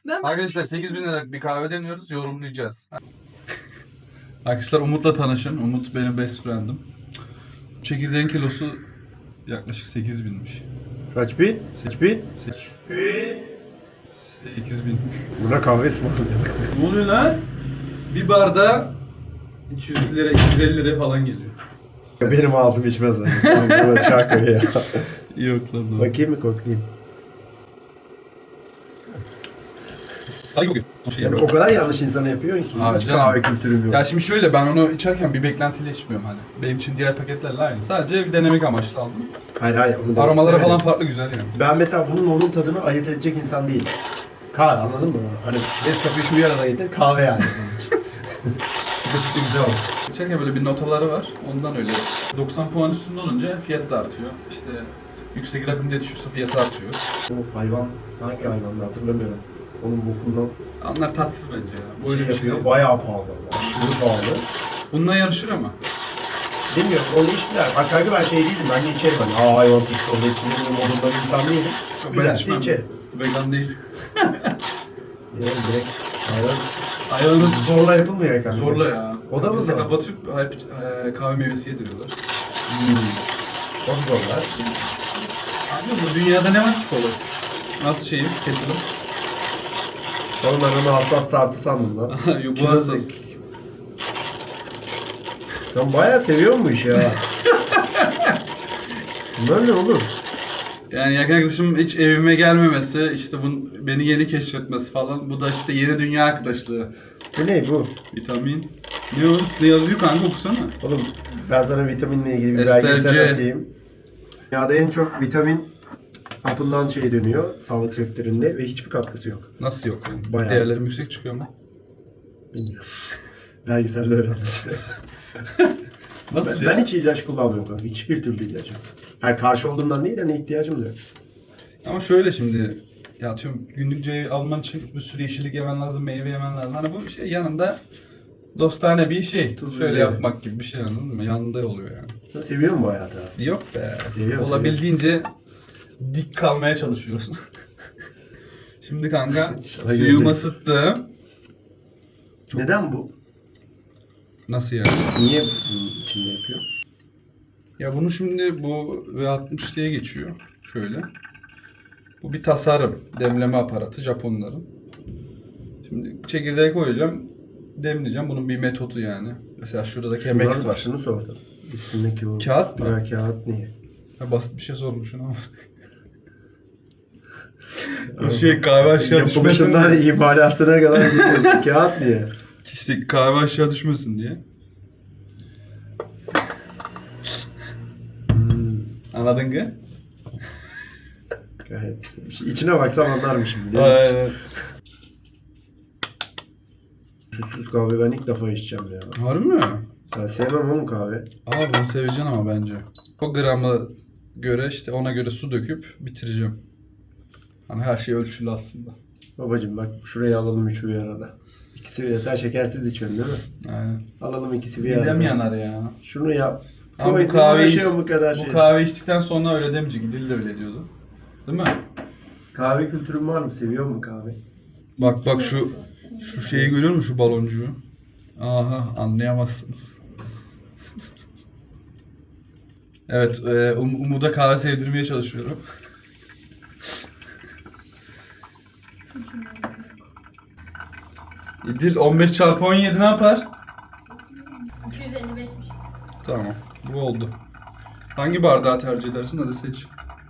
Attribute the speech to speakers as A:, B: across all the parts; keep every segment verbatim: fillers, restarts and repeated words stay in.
A: Arkadaşlar sekiz bin liralık bir kahve deniyoruz, yorumlayacağız. Arkadaşlar Umut'la tanışın. Umut benim best friend'im. Çekirdeğin kilosu yaklaşık sekiz binmiş.
B: Kaç bin? Kaç bin?
A: sekiz bin.
B: Buna kahve ısmarlıyor.
A: Ne oluyor lan? Bir bardağa iki yüz lira, iki yüz elli lira falan geliyor.
B: Benim ağzım içmez lan. Sen bana çakır ya.
A: Yok lan.
B: Bakayım mı koklayayım?
A: Hayır yok. Şey
B: Yani o kadar yanlış insana yapıyorsun ki.
A: Abi
B: Hiç
A: canım.
B: kahve kültürüm yok.
A: Ya şimdi şöyle, ben onu içerken bir beklentiyle içmiyorum hani. Benim için diğer paketlerle aynı. Sadece bir denemek amaçlı aldım.
B: Hayır hayır. Onu demek
A: Aromaları falan
B: istemedim.
A: farklı, güzel yani.
B: Ben mesela bunun onun tadını ayırt edecek insan değilim. Kahve, anladın mı? Hani Nescafe'yi şu bir arada getir, kahve yani. Bu güzel oldu.
A: İçerken böyle bir notaları var. Ondan öyle. doksan puan üstünde olunca fiyatı da artıyor. İşte yüksek rakım diye düşürse fiyatı artıyor.
B: O hayvan, hangi hayvandı hatırlamıyorum. Onun bokundan
A: Onlar tatsız bence ya.
B: böyle
A: Böyle bir şey
B: yapıyor.
A: değil.
B: Bayağı pahalı. Aşırı pahalı.
A: Bununla yarışır ama.
B: Bilmiyorum, onu içtiler. Bak kanka ben şey değilim, ben de içerim hani. Aa hayvan sıçtı, onu içmenin modunda bir insan değilim.
A: Ben
B: Güzelse
A: içmem.
B: içerim.
A: Vegan değil.
B: Yani direkt hayvan
A: Hayvanı
B: zorla yapılmıyor kanka.
A: zorla ya.
B: O da mı
A: Kafese
B: zor?
A: kapatıp hep e, kahve meyvesi yediriyorlar.
B: Çok zorlar.
A: Abi bu dünyada ne var ki kolay? Nasıl şeyim? Kettle'ım.
B: Oğlum ben onu hassas tartı sandım lan.
A: Yok, bu
B: Kim
A: hassas.
B: hazır? Sen bayağı seviyor bu işi ha. Bunlar ne oğlum?
A: Yani yakın arkadaşım hiç evime gelmemesi, işte bunun beni yeni keşfetmesi falan. Bu da işte yeni dünya arkadaşlığı.
B: Bu ne bu?
A: Vitamin. Ne o? Ne yazıyor kanka, okusana.
B: Oğlum ben sana vitaminle ilgili bir
A: Ester
B: belgesel
A: C.
B: atayım. Dünyada en çok vitamin hapından şey dönüyor sağlık sektöründe ve hiçbir katkısı yok.
A: Nasıl yok yani?
B: Bayağı.
A: Değerlerim yüksek çıkıyor mu?
B: Bilmiyorum. Belgeselde öyle anlatıyor.
A: Nasıl
B: Ben,
A: ya?
B: ben hiç ilaç kullanmıyorum kanka. Hiçbir türlü ilaç yok. Yani karşı olduğumdan değil, hani ihtiyacım da yok.
A: Ama şöyle şimdi, ya atıyorum günlük C alman için bir sürü yeşillik yemen lazım, meyve yemen lazım. Hani bu şey yanında dostane bir şey.
B: Tuz
A: Şöyle
B: biber.
A: yapmak gibi bir şey, anladın mı? Yanında oluyor yani.
B: Sen seviyor musun bu hayatı abi?
A: Yok be.
B: Seviyorum,
A: Olabildiğince dik kalmaya çalışıyoruz. Şimdi kanka
B: İnşallah
A: suyumu
B: geldi.
A: ısıttım. Çok-
B: Neden bu?
A: Nasıl yani?
B: Niye bunun içinde yapıyor?
A: Ya bunu şimdi bu V altmış diye geçiyor. Şöyle. Bu bir tasarım. Demleme aparatı Japonların. Şimdi çekirdeği koyacağım. Demleyeceğim. Bunun bir metodu yani. Mesela şurada da Chemex
B: Şundan-
A: var.
B: Şunu sordum. Üstündeki o...
A: Kağıt mı?
B: Ya kağıt niye?
A: Ha, basit bir şey sormuşsun ama. O şey kahve aşağı düşmesin
B: Yapılışından
A: diye.
B: imalatına kadar gidiyor. Kağıt niye?
A: İşte kahve aşağı düşmesin diye.
B: Hmm.
A: Anladın mı?
B: Gayet. İçine baksam anlarmışım biliyor musun?
A: Aynen.
B: Tuzsuz kahve ben ilk defa içeceğim ya.
A: Harbi mi?
B: Ben sevmem oğlum kahve.
A: Aa, bunu seveceksin ama bence. O gramı göre işte ona göre su döküp bitireceğim. Hani her şey ölçülü aslında.
B: Babacım bak şuraya alalım üçü bir arada. İkisi bir arada. Sen şekersiz içiyorsun değil mi?
A: Aynen.
B: Alalım ikisi bir arada.
A: Midem yanar ya.
B: Şunu yap.
A: Ama bu
B: Koydun,
A: kahve
B: uğraşıyorsun bu kadar şey.
A: bu kahve içtikten sonra öyle demeyecek. Dil de öyle diyordu. Değil mi?
B: Kahve kültürün var mı? Seviyor musun kahve?
A: Bak bak şu şu şeyi görüyor musun, şu baloncuğu? Aha, anlayamazsınız. Evet, e, Um- Umut'a kahve sevdirmeye çalışıyorum. İdil on beş çarpı on yedi ne yapar?
C: iki yüz elli beşmiş.
A: Tamam, bu oldu. Hangi bardağı tercih edersin? Hadi seç.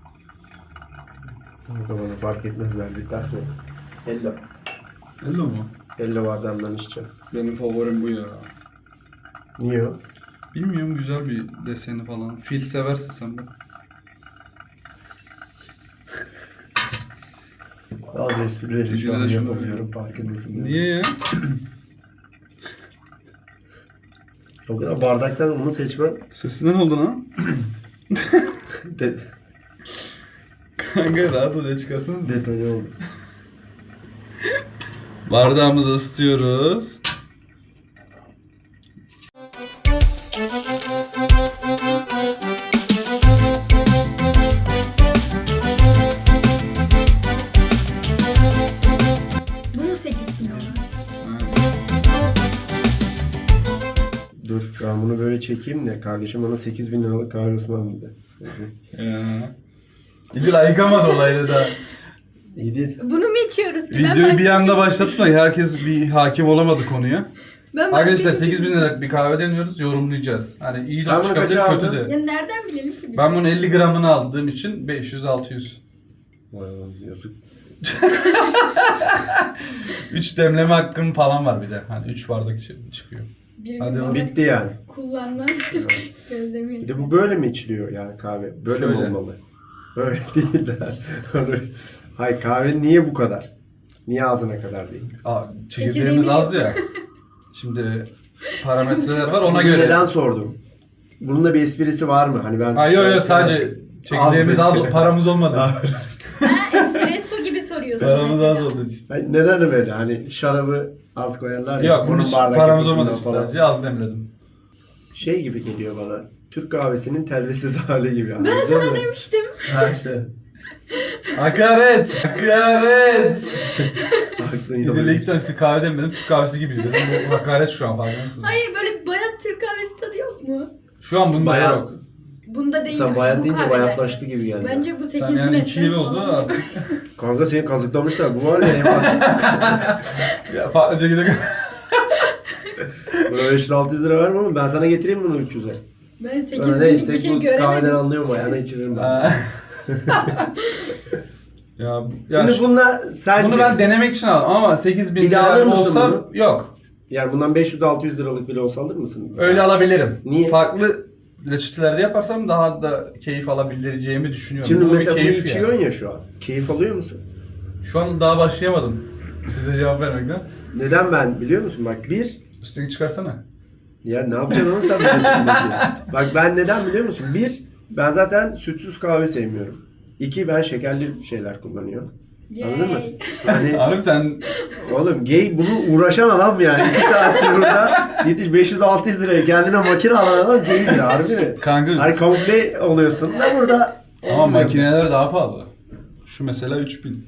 B: Kanka bana fark etmez verdikten sonra. Hello.
A: Hello mu?
B: Hello bardağından içeceğim.
A: Benim favorim bu ya.
B: Niye o?
A: Bilmiyorum, güzel bir deseni falan. Fil seversin sen de.
B: Bazı esprileri şu an
A: Şunu-
B: yapamıyorum farkındasın değil mi?
A: Niye ya?
B: O kadar bardaktan onu seçmen
A: Sesinden oldu lan.
B: de,
A: Kanka rahat ol ya, çıkartsanız.
B: detone oldu.
A: Bardağımızı ısıtıyoruz.
C: Bu mu sekiz bin lira?
B: Dur ben bunu böyle çekeyim de kardeşim bana sekiz bin liralık kahve ısmarladı.
A: Ya. İdil ayıkamadı olayla da.
B: İyi değil.
C: Bunu mu içiyoruz ki? Ben
A: Videoyu bir
C: başka-
A: anda başlatma. Herkes bir hakim olamadı konuya.
C: Ben başka-
A: Arkadaşlar sekiz bin liralık bir kahve deniyoruz, yorumlayacağız. Hani iyi de
B: Sen bunu
A: çıkabilir,
B: kaça
A: kötü
B: aldın?
A: de.
C: Ya nereden bilelim ki? biz?
A: Ben bunu elli gramını aldığım için beş yüz altı yüz.
B: Vay lan yazık.
A: üç demleme hakkım falan var bir de. Hani üç bardak içi- çıkıyor.
C: Bir
A: Hadi
C: gün
A: oğlum.
C: bana
B: Bitti yani.
C: kullanmaz. Gözlemi
B: Bir de bu böyle mi içiliyor yani kahve? Böyle mi
A: Şöyle.
B: olmalı? Öyle değil lan. Hayır kahve niye bu kadar? Niye ağzına kadar değil?
A: Aa, çekirdeğimiz az ya. Şimdi parametreler var ona
B: Bunu
A: göre.
B: neden sordum? Bunun da bir esprisi var mı? Hani ben...
A: Ha yok yok sadece çekirdeğimiz az,
B: dedi.
A: paramız olmadı.
C: Ha, espresso gibi soruyorsun
A: paramız
C: mesela.
A: az olduğu için.
B: Hani neden böyle? Hani şarabı az koyarlar ya.
A: Yok bunun hiç
B: bardak
A: paramız
B: yapısından
A: olmadı için
B: falan.
A: sadece az demledim.
B: Şey gibi geliyor bana. Türk kahvesinin telvesiz hali gibi.
C: Ben
B: anladın
C: sana
B: mı?
C: demiştim.
B: Ha işte.
A: Hakaret! Hakaret!
B: Aklın
A: Bir
B: yolu.
A: de ilk tanesi kahve demedim, Türk kahvesi gibi dedim. Bu hakaret şu an farkında mısın?
C: Hayır böyle bayat Türk kahvesi tadı yok mu?
A: Şu an bunda
B: Bayağı-
A: yok.
C: Bunda değil.
B: Sen bayat
C: bu
B: deyince
C: kahveler.
B: bayatlaştı gibi geldi.
C: Bence bu sekiz
A: Sen
C: bin
A: yani
C: etmez
A: iki yıl oldu
C: falan.
A: artık.
B: Kanka seni kazıklamışlar. Bu var ya eyvah.
A: Ya farklıca gidelim.
B: Buna beş yüz altı yüz lira verme ama ben sana getireyim bunu üç yüze.
C: Ben sekiz
B: Öyle
C: binlik bir
B: değil.
C: şey
B: Bu kahveden
C: göremedim.
B: anlıyorum ayağına içiririm ben.
A: Aa. ya, bu- ya
B: Şimdi
A: şu-
B: bunlar sence...
A: bunu ben denemek için aldım ama sekiz bin
B: Bir daha
A: lira
B: alır mısın
A: olsa
B: bunu?
A: yok.
B: Yani bundan beş yüz altı yüz liralık bile olsa alır mısın?
A: Öyle alabilirim.
B: Niye?
A: Farklı reçetelerde yaparsam daha da keyif alabileceğimi düşünüyorum.
B: Şimdi
A: Bu bir
B: mesela bunu
A: keyif
B: içiyorsun
A: yani.
B: ya şu an. Keyif alıyor musun?
A: Şu an daha başlayamadım. Size cevap vermekten.
B: Neden ben biliyor musun? Bak bir,
A: Üstüne çıkarsana.
B: ya ne yapacaksın oğlum sen benim üstümdeki? Bak ben neden biliyor musun? Bir, ben zaten sütsüz kahve sevmiyorum. İki, ben şekerli şeyler kullanıyorum. Anladın mı?
C: Yay.
B: Yani
A: Abi sen
B: oğlum gay bunu uğraşan adam yani. iki saattir burada yetiş beş yüz altı yüz liraya kendine makine alan adam gaydir harbi mi?
A: kanka
B: Hani kamufle oluyorsun da burada.
A: ama
B: olmuyor.
A: makineler daha pahalı. Şu mesela üç bin.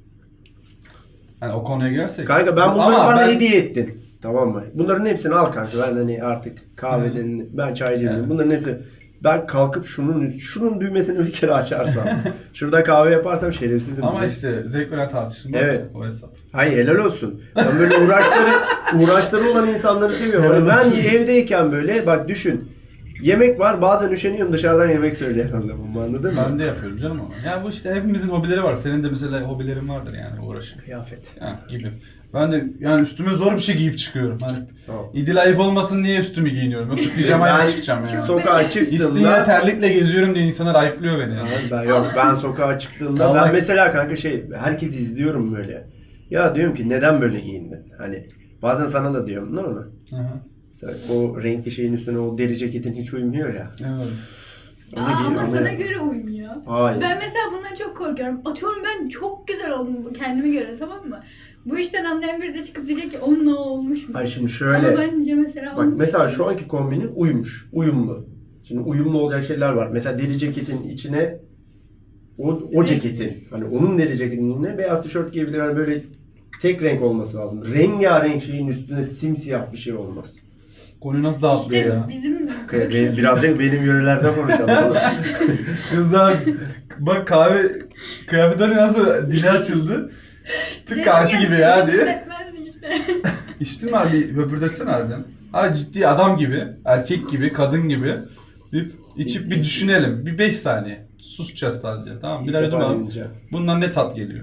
A: Hani o konuya girersek.
B: Kanka ben bunları
A: Ama
B: bana
A: ben-
B: hediye ettin. Tamam mı? Bunların hepsini al kanka. Ben hani artık kahveden, ben çaycıyım.
A: Evet.
B: Bunların hepsini ben kalkıp şunun şunun düğmesini bir kere açarsam, şurada kahve yaparsam şerefsizim.
A: Ama
B: diye.
A: işte zevk veren tartışma
B: Evet.
A: o hesap.
B: Hayır helal olsun. Ben böyle uğraşları uğraşları olan insanları seviyorum.
A: Helal
B: Hani ben
A: olsun.
B: evdeyken böyle bak düşün. Yemek var bazen üşeniyorum dışarıdan yemek söyleyen adamım anladın mı?
A: Ben de yapıyorum canım ama. Ya bu işte hepimizin hobileri var. Senin de mesela hobilerin vardır yani uğraşın.
B: Kıyafet.
A: Ya gibi. Ben de yani üstüme zor bir şey giyip çıkıyorum. Hani
B: Tamam.
A: İdil ayıp olmasın diye üstümü giyiniyorum. Yoksa pijamayla
B: Ben
A: çıkacağım yani.
B: Sokağa
A: İstinye
B: çıktığımda
A: terlikle geziyorum diye insanlar ayıplıyor beni. Yani.
B: ben yok ben sokağa çıktığımda
A: Allah-
B: ben mesela kanka şey herkes izliyorum böyle. Ya diyorum ki neden böyle giyindin? Hani bazen sana da diyorum değil mi?
A: Hı hı.
B: Mesela o renkli şeyin üstüne o deri ceketin hiç uymuyor ya.
A: Evet.
C: Aa,
B: Onu giy-
C: ama
B: onu-
C: sana göre uymuyor.
B: Hayır.
C: Ben mesela bundan çok korkuyorum. Atıyorum ben çok güzel oldum kendime göre tamam mı? Bu işten anlayan biri de çıkıp diyecek ki onunla olmuş mu?
B: Hayır şimdi
C: Ama
B: şöyle.
C: bence mesela
B: Bak
C: olmuş.
B: mesela şu anki kombini uymuş. Uyumlu. Şimdi uyumlu olacak şeyler var. Mesela deri ceketin içine o, o ceketin hani onun deri ceketinin içine beyaz tişört giyebilir. Yani böyle tek renk olması lazım. Rengarenk şeyin üstüne simsiyah bir şey olmaz.
A: Konuyu nasıl dağıtlıyor
C: İşte
A: ya?
C: bizim
B: Okay, be- biraz da benim yörelerden konuşalım. oğlum.
A: Kızlar bak kahve kıyafetleri nasıl dili açıldı. Türk
C: Dedim
A: kahvesi
C: ya,
A: gibi ya
C: sekiz
A: diye.
C: bin etmez işte.
A: İçtin mi abi? Höpürdetsene harbiden. Abi ciddi adam gibi, erkek gibi, kadın gibi bir içip bir düşünelim. Bir beş saniye. Susacağız sadece. Tamam mı?
B: İlk
A: Birer
B: defa
A: yudum alalım.
B: deneyeceğim.
A: Bundan ne tat geliyor?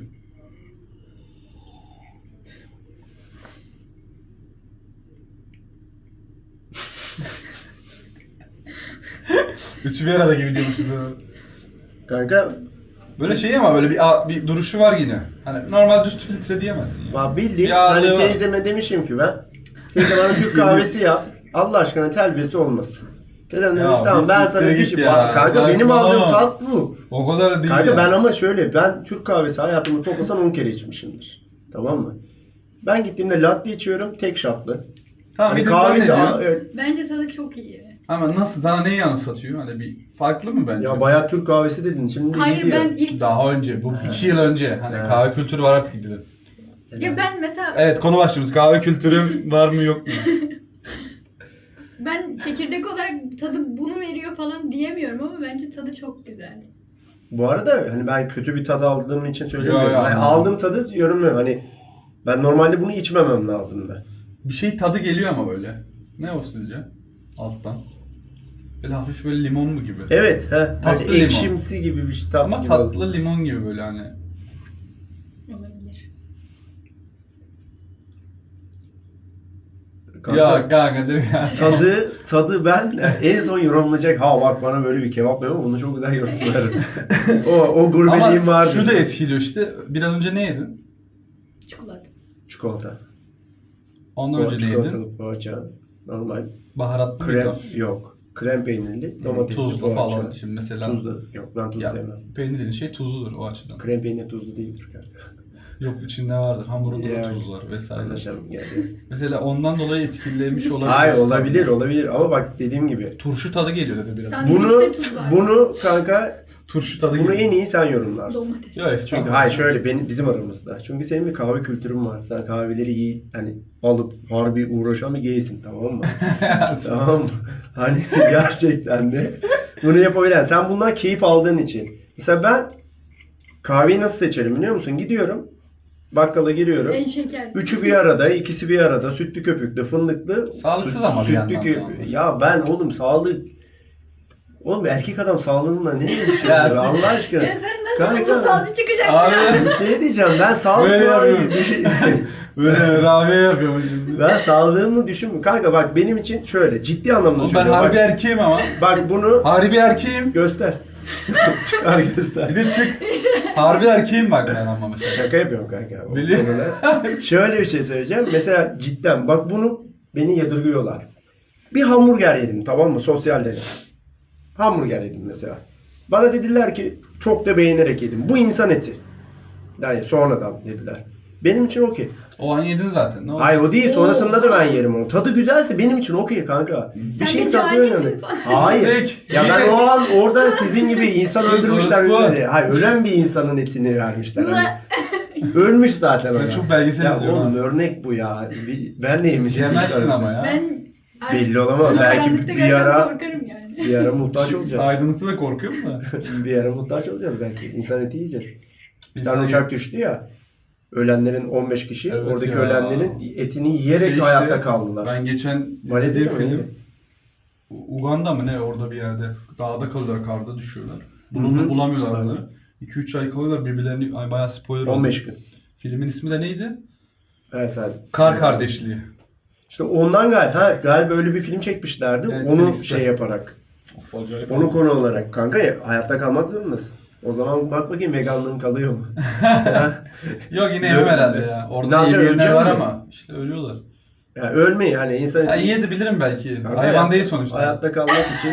A: Üçü bir arada gibi diyormuşuz.
B: Kanka
A: Böyle şey ama böyle bir, bir duruşu var yine. Hani normal düz filtre diyemezsin ya.
B: bak bildiğin
A: Bir ağırlığı
B: hani
A: var.
B: teyzeme demişim ki ben teyze bana Türk kahvesi yap. Allah aşkına telvesi olmasın. Dedem
A: Ya
B: demiş tamam
A: bir
B: ben
A: siktir
B: sana
A: git
B: dişim.
A: ya.
B: Kanka benim
A: Saçmalama.
B: aldığım tat bu.
A: O kadar değil
B: Kanka
A: ya.
B: ben ama şöyle ben Türk kahvesi hayatımı toplasan on kere içmişimdir. Tamam mı? Ben gittiğimde latte içiyorum tek shotlı.
A: Tamam,
B: Hani
A: bir de sen ne
B: kahvesi
A: diyorsun?
B: a- evet.
C: Bence tadı çok iyi.
A: Ama nasıl sana neyi anımsatıyor? Hani bir farklı mı bence?
B: Ya bayağı Türk kahvesi dedin şimdi
C: Hayır
B: gidiyor.
C: ben ilk
A: Daha önce, bu iki yıl önce. Hani
B: Ha.
A: kahve kültürü var artık gidilir.
C: Ya ben mesela
A: Evet, konu başlığımız kahve kültürü var mı yok mu?
C: ben çekirdek olarak tadı bunu veriyor falan diyemiyorum ama bence tadı çok güzel.
B: Bu arada hani ben kötü bir tadı aldığım için söylemiyorum.
A: Yo, yo,
B: Yani
A: anladım.
B: aldığım tadı yorumluyorum. Hani ben normalde bunu içmemem lazımdı.
A: Bir şey tadı geliyor ama böyle. Ne o sizce? Alttan. Böyle hafif böyle limon mu gibi?
B: Evet, he.
A: Tatlı
B: Hani
A: limon.
B: ekşimsi gibi bir şey. Tatlı
A: Ama
B: gibi
A: tatlı
B: oldu.
A: limon gibi böyle hani.
C: Olabilir.
B: Kanka,
A: Ya kanka değil mi ya?
B: tadı, tadı ben en son yorumlayacak. Ha bak bana böyle bir kebap yapıyor. Bunu çok güzel yorumlarım. o, o gurbeliğim
A: Ama
B: vardı.
A: şu da etkiliyor işte. Biraz önce ne yedin?
C: Çikolata.
B: Çikolata.
A: Ondan
B: O
A: önce ne yedin?
B: çikolatalı poğaça. Normal.
A: Baharatlı
B: Krem
A: mıydı?
B: yok. Krem peynirli. Domatesli
A: Tuzlu
B: poğaça.
A: falan. Şimdi mesela
B: Tuzlu. Yok ben tuz
A: ya,
B: sevmem.
A: peynir dediğin şey tuzludur o açıdan.
B: Krem peynir tuzlu değildir kanka.
A: Yok içinde vardır. Hamurunda da
B: Ya,
A: tuz var vesaire.
B: Anlaşalım geldi.
A: Mesela ondan dolayı etkilemiş olabilir.
B: Hayır olabilir olabilir ama bak dediğim gibi.
A: Turşu tadı geliyor dedi biraz.
C: Sen-
B: Bunu
C: Sandviçte tuz var.
B: bunu kanka
A: Turşu tadı
B: bunu
A: geliyor.
B: en iyi sen yorumlarsın.
C: Domates.
A: Ya
B: Çünkü
A: estağfurullah.
B: hayır şöyle benim bizim aramızda. Çünkü senin bir kahve kültürün var. Sen kahveleri iyi hani alıp harbi uğraşan bir geysin tamam mı? Tamam mı? Hani gerçekten de bunu yapabilen. Sen bundan keyif aldığın için. Mesela ben kahveyi nasıl seçerim biliyor musun? Gidiyorum. Bakkala giriyorum.
C: En şekerli.
B: Üçü bir arada, ikisi bir arada. Sütlü köpüklü, fındıklı.
A: Sağlıksız
B: süt-
A: ama bir
B: sütlü
A: yandan
B: kö-
A: da ama.
B: Ya ben oğlum sağlık... Oğlum erkek adam sağlığınla ne ilgisi
A: Ya
B: var
A: siz-
B: Allah aşkına?
C: Ya sen nasıl
B: Kanka.
C: ulusalcı çıkacaksın
A: Abi.
C: ya?
B: Bir şey diyeceğim ben sağlık
A: Böyle
B: falan
A: yapıyorum. Böyle Rabia yapıyorum şimdi.
B: Ben sağlığımı düşünmüyorum. Kanka bak benim için şöyle ciddi anlamda
A: Oğlum ben
B: söylüyorum.
A: harbi
B: bak,
A: erkeğim ama.
B: bak bunu
A: Harbi erkeğim.
B: göster. Çıkar
A: Bir
B: göster.
A: de çık. Harbi erkeğim bak ben ama mesela.
B: Şaka yapıyorum kanka. O
A: Biliyorum.
B: konuda. Şöyle bir şey söyleyeceğim. Mesela cidden bak bunu beni yadırgıyorlar. Bir hamburger yedim tamam mı sosyalde. Hamburger yedim mesela. Bana dediler ki çok da beğenerek yedim. Bu insan eti. Yani sonradan dediler. Benim için okey.
A: O an yedin zaten. Ne oldu?
B: Hayır o değil. Sonrasında da ben yerim onu. Tadı güzelse benim için okey kanka. Bir
C: Sen
B: şey
C: de
B: tadı
C: canisin
B: önemli.
C: falan.
B: Hayır.
A: Steak.
B: Ya ben o an orada sizin gibi insan
A: Şey,
B: öldürmüşler
A: sonrası bu.
B: öyle. Hayır ölen bir insanın etini vermişler. Hani.
C: Ulan.
B: Ölmüş zaten
A: Sen
B: ona.
A: çok belgesel
B: Ya
A: izliyorsun
B: oğlum
A: ha.
B: örnek bu ya. Bir- Ben de yemeyeceğim.
A: Yemezsin
B: insanım.
A: ama ya.
C: Ben artık
B: Belli olamaz.
C: bunu
B: Belki
C: karanlıkta
B: bir
C: görsem
B: ara
C: korkarım yani.
B: bir ara muhtaç olacağız.
A: Aydınlıkta da korkuyorum da.
B: bir ara muhtaç olacağız belki. İnsan eti yiyeceğiz. Bir
A: İnsan
B: tane
A: eti-
B: uçak düştü ya. Ölenlerin on beş kişi
A: Evet
B: oradaki
A: ya.
B: ölenlerin etini yiyerek
A: Şey işte,
B: hayatta kaldılar.
A: Ben geçen
B: Malezya'da
A: izlediğim
B: mı
A: film.
B: neydi?
A: U- Uganda mı ne orada bir yerde. Dağda kalıyorlar, karda düşüyorlar.
B: Hı
A: Bunu
B: hı.
A: bulamıyorlar
B: Aynen.
A: bunları. iki üç ay kalıyorlar birbirlerini. Ay bayağı spoiler
B: on beş
A: oldu.
B: gün.
A: Filmin ismi de neydi?
B: Efendim.
A: Kar Kardeşliği.
B: İşte ondan galiba, ha, galiba öyle bir film çekmişlerdi.
A: Evet,
B: onu
A: Felix'te.
B: şey yaparak.
A: Of acayip.
B: Onu konu olarak. Kanka ya, hayatta kalmak zorundasın. O zaman bak bakayım veganlığın kalıyor mu?
A: Yok yine yemem herhalde ya.
B: Ne
A: Orada
B: yapacaksın,
A: yiyenler var
B: öleceksin mi?
A: ama işte ölüyorlar.
B: Yani ölmeyi yani insan...
A: Ya yiyebilirim belki.
B: Kanka
A: Hayvan
B: hayat-
A: değil sonuçta.
B: Hayatta kalmak için.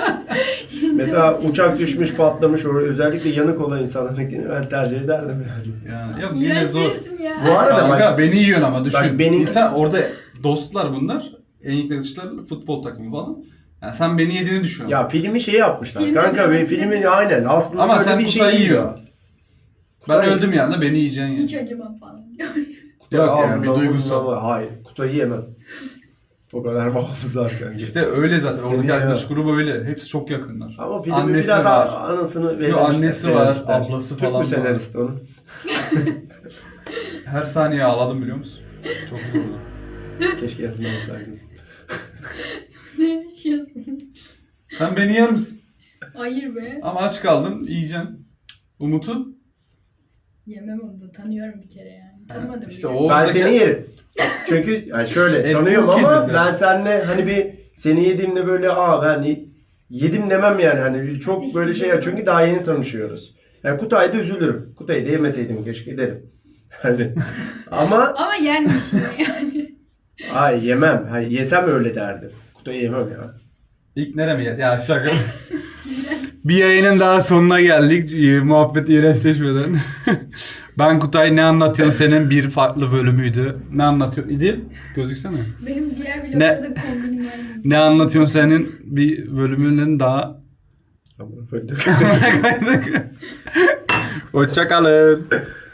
B: Mesela uçak düşmüş patlamış oraya özellikle yanık olan insanlarınkini ben tercih ederdim yani.
A: Yani yok yine
C: İğrenç
A: zor.
C: birisin ya.
B: Bu arada
A: Kanka
B: bak,
A: beni yiyorsun ama düşün.
B: Bak benim-
A: İnsan orada dostlar bunlar. En yaklaşıklar futbol takımı falan. Yani sen beni yediğini düşün.
B: ya filmi şey yapmışlar.
C: Filmi
B: Kanka ve
C: dramatize
B: filmin
C: ediyor.
B: aynen aslında
A: Ama
B: böyle
A: sen
B: bir
A: Kutay'ı
B: şey değil
A: yiyor.
B: ya.
A: ben
B: Kutay-
A: öldüm yanında beni yiyeceksin.
C: Hiç
A: Yani.
C: acımam falan.
B: Kutay
A: Yok yani,
B: ağzından
A: bir duygusal.
B: burnuna- Hayır Kutay'ı yemem. O kadar bağımız var kanka.
A: İşte öyle zaten.
B: Seni
A: Oradaki arkadaş
B: yemem.
A: grubu öyle. Hepsi çok yakınlar.
B: Ama filmin
A: Annesi
B: biraz
A: var.
B: a- anasını
A: Yok,
B: vermişler.
A: annesi var,
B: senaristler.
A: ablası
B: Türk
A: falan
B: mü
A: var.
B: senarist onun?
A: Her saniye ağladım biliyor musun? Çok zordu.
B: Keşke yanımda olsaydım.
C: Ne yaşıyorsunuz?
A: Sen beni yer misin?
C: Hayır be.
A: Ama aç kaldın, yiyeceksin. Umut'u?
C: Yemem onu da tanıyorum bir kere yani. Tanımadım
A: İşte
C: bile.
A: o-
B: Ben
A: Oradaki-
B: seni yerim. Çünkü yani şöyle
A: Et
B: tanıyorum
A: çok
B: ama
A: yedi
B: ben
A: zaten.
B: seninle hani bir seni yediğimde böyle aa ben y- yedim demem yani hani çok
C: İşte
B: böyle şey
C: böyle.
B: çünkü daha yeni tanışıyoruz. Yani Kutay'da üzülürüm. Kutay'ı da yemeseydim keşke derim. Hani ama
C: Ama yenmiş yine yani.
B: ay yemem. Hayır, yesem öyle derdim. Kutay'ı yemem ya.
A: İlk nereye mi gel- Ya şaka. Bir yayının daha sonuna geldik. Ee, Muhabbet iğrençleşmeden. Ben Kutay ne anlatıyorsun senin bir farklı bölümüydü. Ne anlatıyor idi? Gözüksene.
C: Benim diğer
A: Ne-
C: vloglarda da kombinim var.
A: Ne anlatıyorsun senin bir bölümünün daha.
B: Ama böyle-
A: Hoşça kalın.